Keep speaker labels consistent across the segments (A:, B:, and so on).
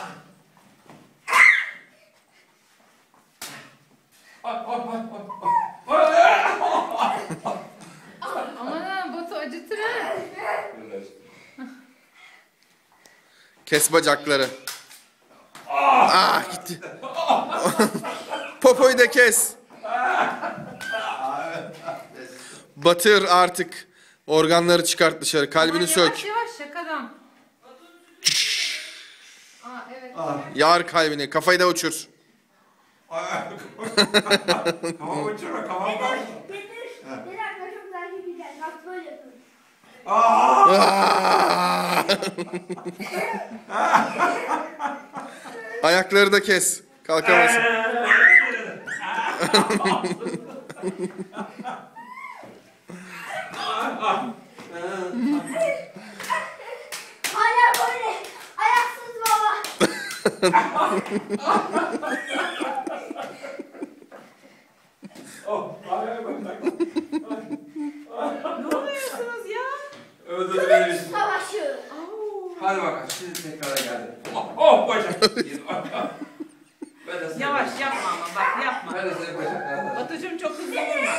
A: Aman ha, Batu acıtır ha.
B: Kes bacakları. Gitti. Popoyu da kes. Batır artık. Organları çıkart dışarı. Kalbini sök.
A: Yavaş yavaş şakadan. Evet.
B: Yar kalbini. Kafayı da uçur.
C: Kafamı uçurma, kafamı da.
D: Bir dakika çok takip edeceğim. Bak böyle yapıyorum.
B: Ayakları da kes. Kalkamazsın.
D: Hala böyle. Ayaksız baba.
A: Ne oluyorsunuz ya?
D: Kılıç savaşı.
C: Hadi bakalım, şimdi tekrar geldi. Oh bacak.
A: Yavaş yapma ama bak yapma.
C: Ben de senin bacaklarına.
A: Batucuğum çok hızlı vurma.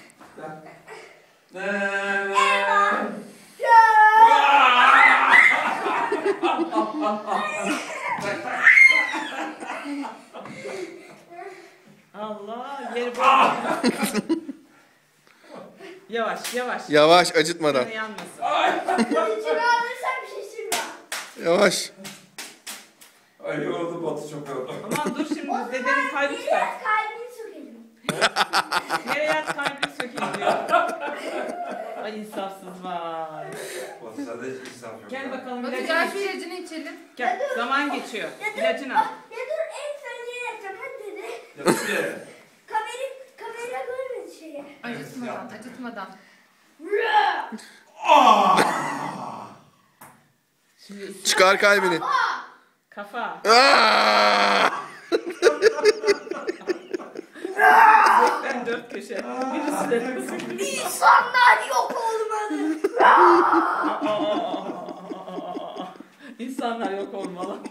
A: Allah yeri bırak. Yavaş yavaş.
B: Yavaş, acıtmadan.
A: Yine yanmasın.
D: Kılıcını alırsam şaşırma.
B: Yavaş.
C: Ay yoruldu, Batu çok yoruldu.
A: Aman dur şimdi dedenin kalbi tutar.
D: Biraz kalbini sökelim.
A: Nereye yat kalbini sökeyim diyor. Ay insafsız var.
C: Batu sende hiç insaf yok.
A: Gel bakalım
E: Batu
A: ilacını
E: gel
A: iç.
E: şu ilacını içelim.
A: Gel zaman geçiyor. İlacını al.
D: Ya dur en söyleyeceğini yapacağım. Hadi dede.
C: Yatış bir yere.
D: Kamera görmedi şeyi.
E: Acıtmadan, acıtmadan.
A: Şimdi
B: Çıkar kalbini.
A: kafa. Ben dört köşe. Birisi de
D: İnsanlar yok olmalı.
A: İnsanlar yok olmalı.